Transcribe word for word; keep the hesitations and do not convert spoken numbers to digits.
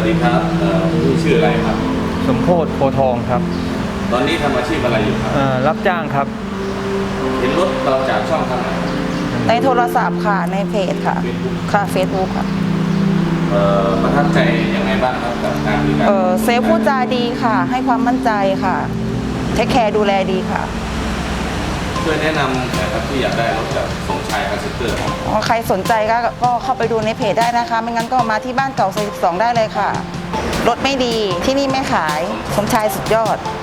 ดีครับเอ่อพี่ชื่ออะไรครับสมโพธิโพทองครับตอนนี้ทำอาชีพอะไรอยู่ครับเอ่อรับจ้างครับเห็นรถเราจากช่องทางไหนในโทรศัพท์ค่ะในเพจค่ะ Facebook ค่ะเฟซบุ๊กค่ะเอ่อประทับใจยังไงบ้างครับกับการบริการเออเซลล์พูดจาดีค่ะ ให้ความมั่นใจค่ะเทคแคร์ดูแลดีค่ะช่วยแนะนำนะครับที่อยากได้รถจากสมชายคาร์เซ็นเตอร์ครับอ๋อใครสนใจก็ก็เข้าไปดูในเพจได้นะคะ ไม่งั้นก็มาที่บ้านเก่าซอยสิบสองได้เลยค่ะ รถไม่ดีที่นี่ไม่ขายสมชายสุดยอด